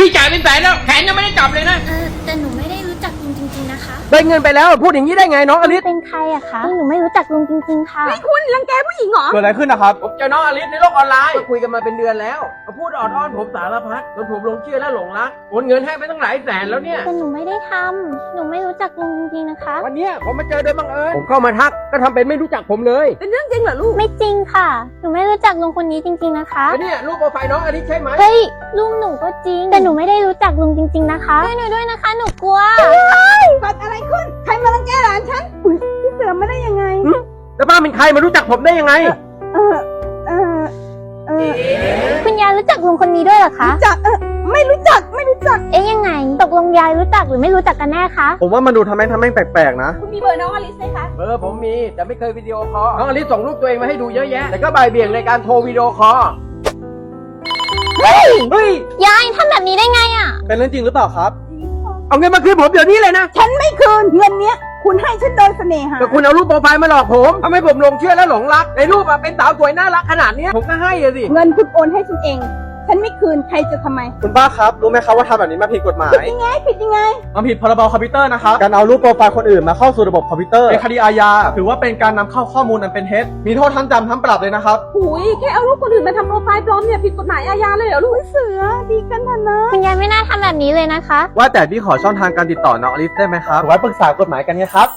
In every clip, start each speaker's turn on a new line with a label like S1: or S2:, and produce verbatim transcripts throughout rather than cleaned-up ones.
S1: พี่จ่ายเป็นแสนแล้วแผนยังไม่ได้จับเลยนะ
S2: เออแต่หนูไม่ได้รู้จักลุงจริงๆนะคะ
S3: ได้เงินไปแล้วพูดอย่างนี้ได้ไงน้องอลิส
S2: เป็นใครอะคะหนูไม่รู้จักลุงจริงๆค่ะ
S4: ไม่คุณรังแกผู้หญิงเหรอ
S3: เกิดอะไรขึ้นนะครับ
S1: ผมเจอน้องอลิสในโลกออนไลน์คุยกันมาเป็นเดือนแล้วมาพูดออดอ้อนผมสารพัดจนผมหลงเชื่อและหลงรักโอนเงินให้ไปตั้งหลายแสนแล้วเนี่ย
S2: แต่หนูไม่ได้ทำหนูไม่รู้จักลุงจริงๆนะคะ
S3: วันเนี้ยผมมาเจอโดยบังเอิญผมเข้ามาทักก็ทำเป็นไม่รู้จักผมเลย
S4: เป็นเรื่องจริงเหรอลูก
S2: ไม่จริงค่ะหนูไม่รู้จักลุงคนนี้จริงๆนะคะ
S3: แล้วเนี่ยรูปโปรไฟล์น้องอลิสใช่ไหม
S2: เฮ้ยลุงหนูก็จริงแต่หนูไม่ได้รู้จักลุงจริงๆนะคะช่วยหนูด้วยนะคะหนูกลัว
S4: เกิดอะไรขึ้น ใครมารังแกหลานฉันอุ๊ยพี่เสือมาได้ยังไง
S3: แล้วป้าเป็นใครมารู้จักผมได้ยังไง
S4: เออ เออ เออ
S2: คุณยายรู้จักลุงคนนี้ด้วยเหรอคะ
S4: จักเออไม่รู้จัก ไม่รู้จัก
S2: เอ๊ยยังไงตกลงยายรู้จักหรือไม่รู้จักกันแน่คะ
S3: ผมว่ามันดูทำแม่งทำแม่งแปลกๆนะ
S4: คุณมีเบอร์น้องอลิสไหมคะ
S1: เบอร์ผมมีแต่ไม่เคยวิดีโอคอลน้องอลิสส่งรูปตัวเองมาให้ดูเยอะแยะแต่ก็บ่ายเบี่ยงในการโทรวิดีโอคอล
S2: เฮ้ย
S3: เฮ้ย
S2: ยายทำแบบนี้ได้ไงอะ
S3: เป็นเรื่องจริงหรือเปล่าครับเอาเงินมาคืนผมเดี๋ยวนี้เลยนะ
S4: ฉันไม่คืนเงินเนี้ย คุณให้ฉันโดยเสน่หา
S3: แต่คุณเอารูปโปรไฟล์มาหลอกผมทำให้ผมหลงเชื่อและหลงรักในรูปอะเป็นสาวสวยน่ารักขนาดเนี้ยผมก็ให้อะสิ
S4: เงินคุณโอนให้ฉันเอง ฉันไม่คืน ใครจะทำไม
S3: คุณป้าครับรู้ไหมครับว่าทำแบบนี้มาผิดกฎหมาย
S4: ผิดยังไง ผิดยังไง
S3: มันผิดพรบคอมพิวเตอร์นะครับการเอารูปโปรไฟล์คนอื่นมาเข้าสู่ระบบคอมพิวเตอร์เป็นคดีอาญาถือว่าเป็นการนำเข้าข้อมูลอันเป็นเท็จมีโทษทั้งจำทั้งปรับเลยนะครับ
S4: หุยแค่เอารูปคนอื่นมาทำโปรไฟล์ปลอมเนี่ยผิดกฎหมายอาญาเลยเหรอลูกเสือ ดีกันเถอะนะ
S2: คุณยายไม่น่าทำแบบนี้เลยนะคะ
S3: ว่าแต่พี่ขอช่องทางการติดต่อน้องอลิสได้ไหมครับไว้ปรึกษากฎหมายกันไงครับ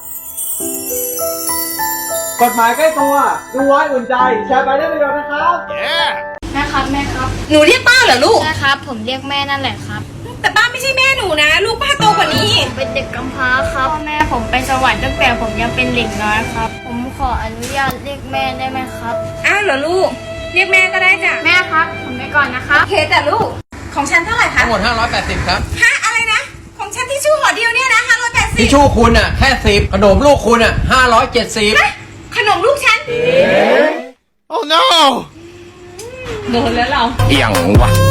S3: กฎหมายใกล้ตัวดูไว้อุ่นใจแชร์ไปได้ประโยชน์นะครับ
S2: แม่ครับแม่ครับ
S4: หนูเรียกป้าเหรอลูก
S2: ใช่ครับผมเรียกแม่นั่นแหละครับ
S4: แต่ป้าไม่ใช่แม่หนูนะ ลูกป้าโตกว่านี้
S2: เป็นเด็กกำพร้าครับพ่อแม่ผมไปสวรรค์ตั้งแต่ผมยังเป็นเด็กน้อยครับ ผมขออนุญาตเรียกแม่ได้ไหมครับ
S4: อ้าวเหรอลูก เรียกแม่ก็ได้จ้ะ
S2: แม่ครับผมไปก่อนนะครับ
S4: โอเคจ้ะลูก ของฉันเท่าไหร่คะ
S1: ทั้งหมดห้าร้อยแปดสิบครับ
S4: ฮะอะไรนะ ของฉันที่ชู่ห่อเดียวเนี่ยนะห้าร้อยแปดสิ
S1: ทิช
S4: บ
S1: ชู่คุณอ่ะแค่สิบขนมลูกคุณอ่ะห้าร้อยเจ็ดสิบ
S4: ขนมลูกฉัน
S5: Oh no
S4: โดนแล้วเรา
S5: เอียงวะ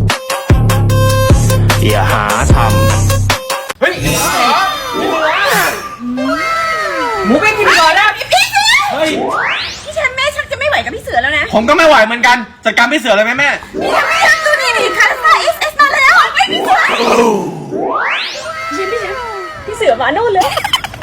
S5: อย่าหาท
S1: เฮ้ยหมูไม่กินก่อนนะ
S4: พี่เสือ
S3: เฮ้ย
S4: พี่ฉันแม่ชักจะไม่ไหวกับพี่เสือแล้วนะ
S3: ผมก็ไม่ไหวเหมือนกันจัดการพี่เสือเลยไหมแม่
S4: พี่ฉันไม่อยากดูนี่ดิคาร์ซ่าเอสเอสมาแล้วไอ้พี่เสือพี่ฉันพี่ฉันพี่เสือมาโน่นเลย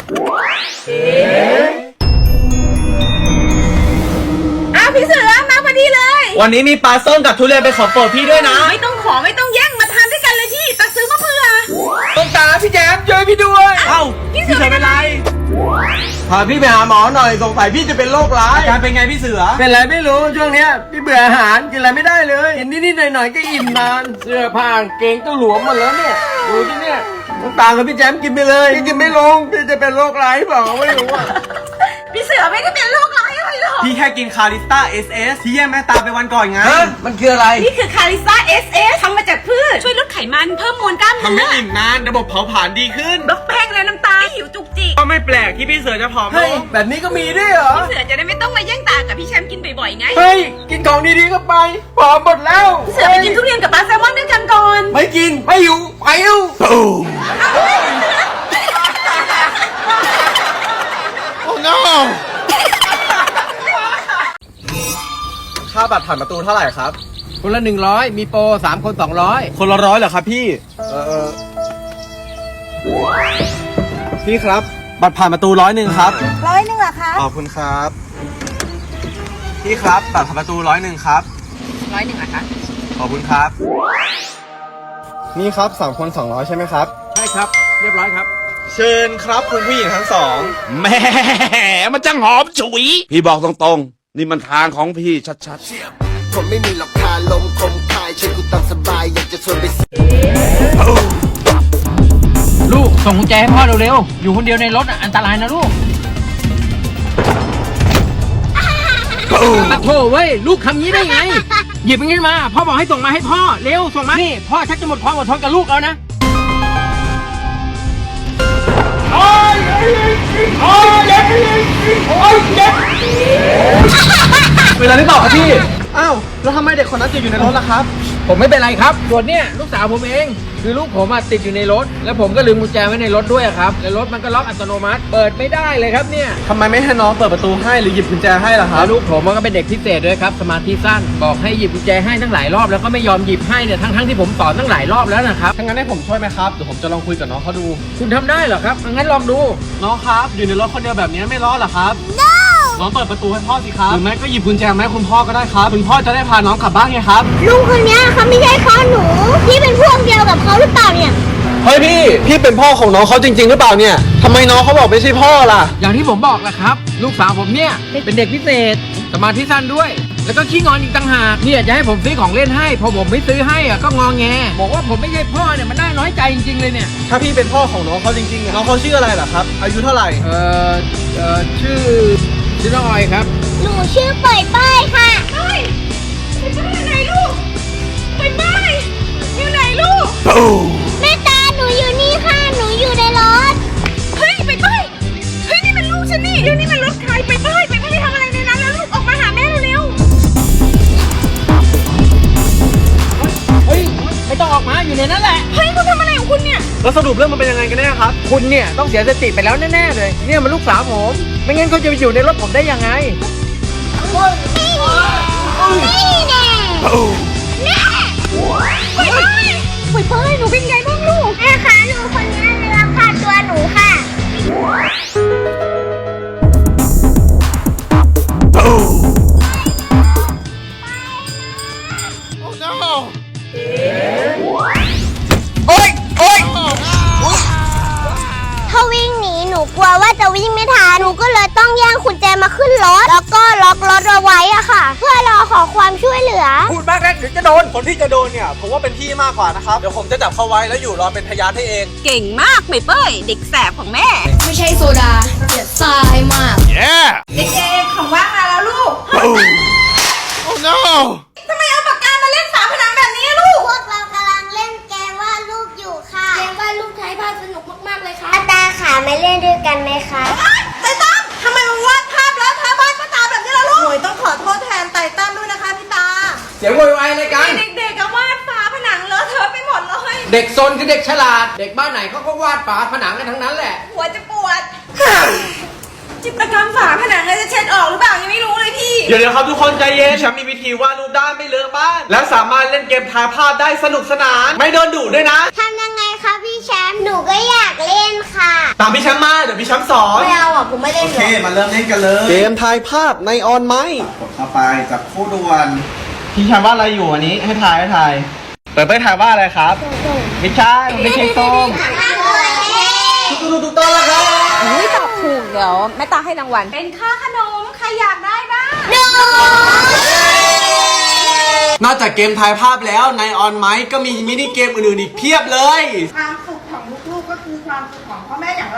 S4: อ้าวพี่เสือมาพอดีเลย
S3: วันนี้มีปลาส้มกับทุเรียนเป็นของโปรดพี่ด้วยนะ
S4: ไม่ต้องขอไม่ต้องแย่งมาทานด้วยกันเลยพี่ตักซื้อมาเพื่อ
S1: ต้องตาพี่แจมช่วยพี่ด้วย
S3: เอ้าพี่เสือเป็นไร
S1: พาพี่ไปหาหมอหน่อยสงสัยพี่จะเป็นโรคร้าย
S3: อาการเป็นไงพี่เสือ
S1: เป็นไรไม่รู้ช่วงเนี้ยพี่เบื่ออาหารกินอะไรไม่ได้เลยกินนิดๆหน่อยๆก็อิ่มนานเสื้อผ้ากางเกงก็หลวมหมดแล้วเนี่ยดูที่เนี่ยต้องตากับพี่แจมกินไปเลยพี่กินไม่ลงพี่จะเป็นโรคร้ายเปล่าไม่รู้อ่ะ
S4: พี่เสือไม่ได้เป็นโรคร้ายอะไรหรอก
S3: พี่แค่กินคาริสต้า เอส เอส ที่แย่แม่ตาไปวันก่อนไง
S1: ฮะมันคืออะไร
S4: นี่คือคาริซ่า เอส เอส ทำมาจากพืช ช่วยลดไขมันเพิ่มมวลกล้าม
S3: ทำ
S4: เนื้
S3: ให้
S4: อ
S3: อิ่มนานระบบเผาผลาญดีขึ้น
S4: ลดแป้งและน้ำตาลหิวจุกจิก
S3: ก็ไม่แปลกที่พี่เสือจะผอมล
S1: เฮ้ย
S3: ง
S1: แบบนี้ก็มีด้วยเหรอ
S4: พี่เสือจะได้ไม่ต้องมาแย่งตากับพี่แชมป์กินบ่อยๆไง
S1: เฮ้ยกินของดีๆก็ไปผอมหมดแล้ว
S4: พี่เสือไปกินทุเรียนกับปลาแซลมอนด้วยกันก่อน
S1: ไม่กินไม่อยู่ไปอยู่
S5: Oh no
S3: ค่าบัตรผ่านประตูเท่าไหร่ครับ
S1: คนละหนึ่งร้อยมีโปรสามคนสองร้อย
S3: คนละร้อยเหรอครับพี่ เออเออพี่ครับ บัตรผ่านประตูร้อยหนึ่งครับ
S4: ร้อยหนึ่งเหรอคะ
S3: ขอบคุณครับ พี่ครับบัตรผ่านประตูร้อยหนึ่งครับ
S4: ร้อยหนึ่งเหรอคะ
S3: ขอบคุณครับ นี่ครับสามคนสองร้อยใช่ไหมครับ
S1: ใช่ครับ เรียบร้อยครับ
S3: เชิญครับคุณผู้หญิงทั้งสอง
S5: แหม่มันจังหอมฉุย พี่บอกตรงๆ นี่มันทางของพี่ชัดๆ
S6: ผมไม่มีหรอกคาลมคมคายใช้กูตามสบายอยากจะชวนไป
S1: ลูกส่งกุญแจให้พ่อเร็วๆอยู่คนเดียวในรถอ่ะอันตรายนะลูกปะโถเว้ยลูกคำนี้ได้ไง หยิบมันขึ้นมาพ่อบอกให้ส่งมาให้พ่อเร็วส่งมานี่พ่อชักจะหมดความอดทนกับลูกแล้วนะ
S3: เวลาหรือเปล่าครับพี่อ้าวแล้วทำไมเด็กคนนั้นจะอยู่ในรถล่ะครับ
S1: ผมไม่เป็นไรครับส่วนเนี่ยลูกสาวผมเองคือลูกผมอะติดอยู่ในรถ แล้วผมก็ลืมกุญแจไว้ในรถด้วยอะครับแล้วรถมันก็ล็อกอัตโนมัติ เปิดไม่ได้เลยครับเนี่ย
S3: ทำไมไม่ให้น้องเปิดประตูให้หรือหยิบกุญแจให้ล่ะครั
S1: แล้
S3: บ
S1: วลูกผมมันก็เป็นเด็กพิเศษด้วยครับสมาธิสั้นบอกให้หยิบกุญแจให้ทั้งหลายรอบแล้วก็ไม่ยอมหยิบให้เนี่ยทั้งๆที่ผมสอนตั้งหลายรอบแล้วนะครับ
S3: ถ้างั้นให้ผมช่วยไหมครับเดี๋ยวผมจะลองคุยกับน้องเขาดู
S1: คุณทำได้เหรอครับงั้นลองดู
S3: น้องครับอยู่ในรถคนเดียวแบบนี้ไม่ร้อนเหรอครับ น้องเปิดประตูให้พ่อสิครับหรือไม่ก็หยิบกุญแจมาให้คุณพ่อก็ได้ครับคุณพ่อจะได้พาน้องกลับบ้านไงครับ
S2: ลุงคนนี้เขาไม่ใช่พ่อหนูที่เป็นพวกเดียวกับเขาหรือเปล่าเนี่ย
S3: เฮ้ยพี่พี่เป็นพ่อของน้องเขาจริง ๆ หรือเปล่าเนี่ยทำไมน้องเขาบอกไม่ใช่พ่อล่ะ
S1: อย่างที่ผมบอกแหละครับ ลูกสาวผมเนี่ยเป็นเด็กพิเศษสมาธิสั้นด้วย แล้วก็ขี้งอนอีกต่างหากเนี่ยจะให้ผมซื้อของเล่นให้พอผมไม่ซื้อให้อะก็งอแงบอกว่าผมไม่ใช่พ่อเนี่ยมันน่าน้อยใจจริงๆเลยเนี่ย
S3: ถ้าพี่เป็นพ่อของน้องเขาจริงๆอะน้องเขาชื่ออะไรล่ะครับอายุเท่าไหร่
S1: เอ่อเอ่อชื่อชื่อน้องออยครับ
S2: หนูชื่อเป่ยเป้ยค่ะเป้ยเป่ยเป้ยไหนลูกเป่ยเป้ยอยู่ไหนลูกแม่ตาหนูอยู่นี่ค่ะหนูอยู่ในรถเฮ้ยเป่ยเป้ยเฮ้ยนี่มันลูกฉันนี่เดี๋ยวนี้มันรถใครเป่ยเป้ยเป่ยเป้ยทำอะไรในนั้นแล้วลูกออกมาหาแม่เร็ว
S1: เฮ้ยไม่ต้องออกมาอยู่ในนั้นแหละ
S2: ๆเฮ้ยคุณทำอะไรของคุณเนี่ย
S3: แล้วสรุปเรื่องมันเป็นยังไงกันแน่ครับ
S1: คุณเนี่ยต้องเสียสติไปแล้วแน่ๆเลยเนี่ยมันลูกสาวผมไม่งั้นเขาจะไปอยู่ในรถผมได้ยังไง
S2: นี่แน่แน่เป่ยเป้ยเป่ยเป้ยหนูเป็นไงบ้างลูกแม่คะหนูคนนี้เลยรับค่าตัวหนูค่ะ ถ้าวิ่งหนีหนูกลัวว่าจะวิ่งไม่ทัน หนูก็เลยต้องแย่งกุญแจมาขึ้นรถ แล้วก็ล็อกรถเอาไว้อะค่ะ เพื่อรอขอความช่วยเหลือ
S3: พูดมากนะเดี๋ยวจะโดนคนที่จะโดนเนี่ยผมว่าเป็นพี่มากกว่านะครับเดี๋ยวผมจะจับเขาไว้แล้วอยู่รอเป็นพยานให้เอง
S4: เก่งมากเป่ยเป้ยเด็กแสบของแม่
S2: ไม่ใช่โซดาเดี๋ยวทรายมาก
S5: yeah
S4: เด็กๆของว่างมาแล้วลูก
S5: oh no
S4: ทำไมเอาปากกามาเล่นฝาผนังแบบนี้ลูก
S2: พวกเรากำลังเล่นเกมวาดรูปอยู่ค่ะ เกมวาดรูปไทยภาพสนุกมากๆเลยค่ะตาขามาเล่นด้วยกันไหมคะ
S4: ไตตั้มทำไมมันวาดภาพแล้วทาบ้านป้าตาแบบนี้ล่ะลูกหนูต้องขอโทษแทนไตตั้มด้วยนะคะพี่ตา
S1: เสียงโวยวายอะไรกัน
S4: เด็กๆก็วาดฝาผนังเลอะเทอะไปหมดเลย
S1: เด็กซนคือเด็กฉลาด เด็กบ้านไหนเขาก็วาดฝาผนังกันทั้งนั้นแหละ
S4: หัวจะปวด จิตรกรรมฝาผนังจะเช็ดออกหรือเปล่ายังไม่รู้เลยพี่
S3: เดี๋ยวเดี๋ยวครับทุกคนใจเย็นฉันมีวิธีวาดรูปได้ไม่เลอะบ้าน และสามารถเล่นเกมทายภาพได้สนุกสนาน ไม่โดนดุด้วยนะ
S2: ทำยังไงคะพี่แชมป์ หนูก็อยากเล่นค่ะ
S3: ตามพี่แชมป์มาเดี๋ยวพี่แชมป์สอน
S2: ไม่เอาอ่ะผมไม่เล่นหรอก
S3: มาเริ่มเล่นกันเลย เกมทายภาพในออนไม้กดเข้าไปจับคู่ด่วนพี่แชมป์ว่าอะไรอยู่อันนี้ให้ทายให้ทายเปิดเผยทายว่าอะไรครับไม่ใช่ไม่ใช่ส้มถูกถูกต้องแล้วครับ
S4: อุ้ยตอบถูกเดี๋ยวแม่ตาให้รางวัล เป็นค่าขนม ใครอยากได้บ้าง
S3: นอกจากเกมทายภาพแล้วในออนไม้ก็มีมินิเกมอื่นๆอีกเพียบเลย
S7: ความสุขของลูกๆก็คือความสุขของพ่อแม่อย่าง